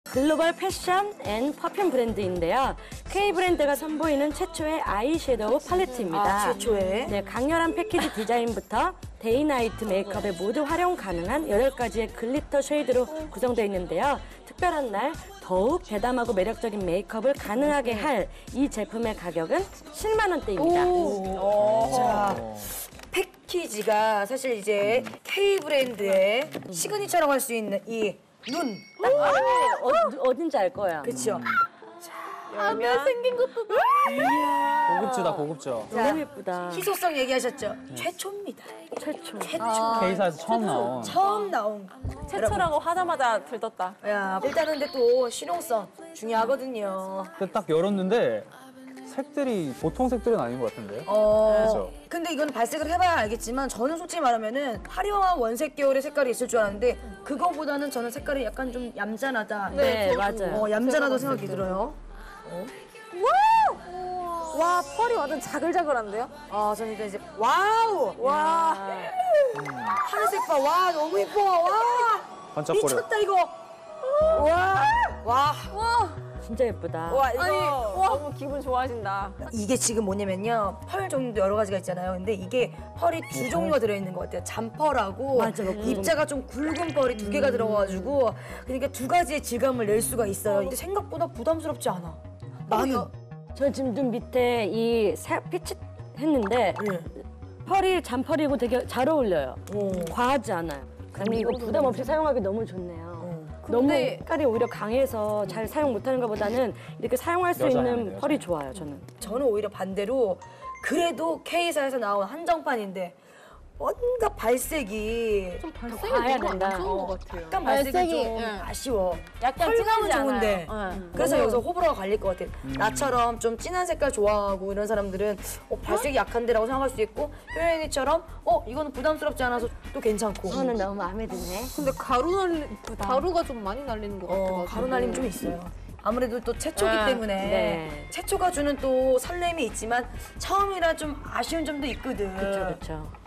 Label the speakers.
Speaker 1: 글로벌 패션 앤 퍼퓸 브랜드인데요. K 브랜드가 선보이는 최초의 아이섀도우 팔레트입니다.
Speaker 2: 최초의?
Speaker 1: 네, 강렬한 패키지 디자인부터 데이나이트 메이크업에 모두 활용 가능한 8가지의 글리터 쉐이드로 구성되어 있는데요. 특별한 날 더욱 대담하고 매력적인 메이크업을 가능하게 할 이 제품의 가격은 10만 원대입니다.
Speaker 2: 자, 패키지가 사실 이제 K 브랜드의 시그니처라고 할 수 있는 이 눈.
Speaker 1: 어딘지 알 거야.
Speaker 2: 그렇죠.
Speaker 3: 하늘 생긴 것도
Speaker 4: 고급지다, 고급져.
Speaker 1: 너무 예쁘다.
Speaker 2: 희소성 얘기하셨죠? 최초입니다.
Speaker 1: 최초.
Speaker 4: K사에서 처음 나온.
Speaker 2: 처음 나온.
Speaker 3: 최초라고 하자마자 들떴다.
Speaker 2: 야, 일단은 근데 또 실용성 중요하거든요.
Speaker 4: 근데 딱 열었는데 색들이 보통 색들은 아닌 것 같은데요? 그렇죠.
Speaker 2: 근데 이건 발색을 해봐야 알겠지만 저는 솔직히 말하면은 화려한 원색 계열의 색깔이 있을 줄 알았는데 그거보다는 저는 색깔이 약간 좀 얌전하다.
Speaker 1: 네, 맞아요.
Speaker 2: 얌전하다 생각이 들어요.
Speaker 3: 와, 펄이 완전 자글자글한데요?
Speaker 2: 아, 저는 일단 이제 와우!
Speaker 3: 와.
Speaker 2: 하늘색 봐. 와, 너무 예뻐. 와!
Speaker 4: 반짝거려.
Speaker 2: 미쳤다 이거. 와! 와!
Speaker 1: 진짜 예쁘다.
Speaker 2: 와, 이거
Speaker 3: 아니, 와, 너무 기분 좋아진다.
Speaker 2: 이게 지금 뭐냐면요. 펄 종류도 여러 가지가 있잖아요. 근데 이게 펄이 두 종류가 들어있는 것 같아요. 잔펄하고
Speaker 1: 맞아,
Speaker 2: 입자가 좀 굵은 펄이 두 개가 들어가가지고 그러니까 두 가지의 질감을 낼 수가 있어요. 근데 생각보다 부담스럽지 않아. 나는.
Speaker 1: 저 지금 눈 밑에 이 빛이 했는데 펄이 잔펄이고 되게 잘 어울려요. 과하지 않아요. 아니 이거 부담 없이 사용하기 너무 좋네요. 너무 색깔이 오히려 강해서 잘 사용 못하는 것보다는 이렇게 사용할 수 있는 펄이 좋아요, 저는.
Speaker 2: 저는 오히려 반대로 그래도 K사에서 나온 한정판인데 뭔가 발색이 좀
Speaker 3: 발색이
Speaker 1: 과해야
Speaker 3: 너무
Speaker 1: 된다.
Speaker 3: 안 좋은 것 같아요.
Speaker 2: 약간 발색이
Speaker 3: 발색이,
Speaker 2: 좀
Speaker 3: 예.
Speaker 2: 아쉬워.
Speaker 3: 약간
Speaker 2: 펄감은
Speaker 3: 진하지
Speaker 2: 좋은데.
Speaker 3: 않아요.
Speaker 2: 그래서 여기서 호불호가 갈릴 것 같아요. 나처럼 좀 진한 색깔 좋아하고 이런 사람들은 발색이 약한데라고 생각할 수 있고 효연이처럼 이거는 부담스럽지 않아서 또 괜찮고.
Speaker 1: 저는 너무 마음에 드네.
Speaker 5: 근데 가루가 좀 많이 날리는 것 같아요.
Speaker 2: 가루 날림 좀 있어요. 아무래도 또 최초기 때문에
Speaker 1: 네.
Speaker 2: 최초가 주는 또 설렘이 있지만 처음이라 좀 아쉬운 점도 있거든.
Speaker 1: 그렇죠.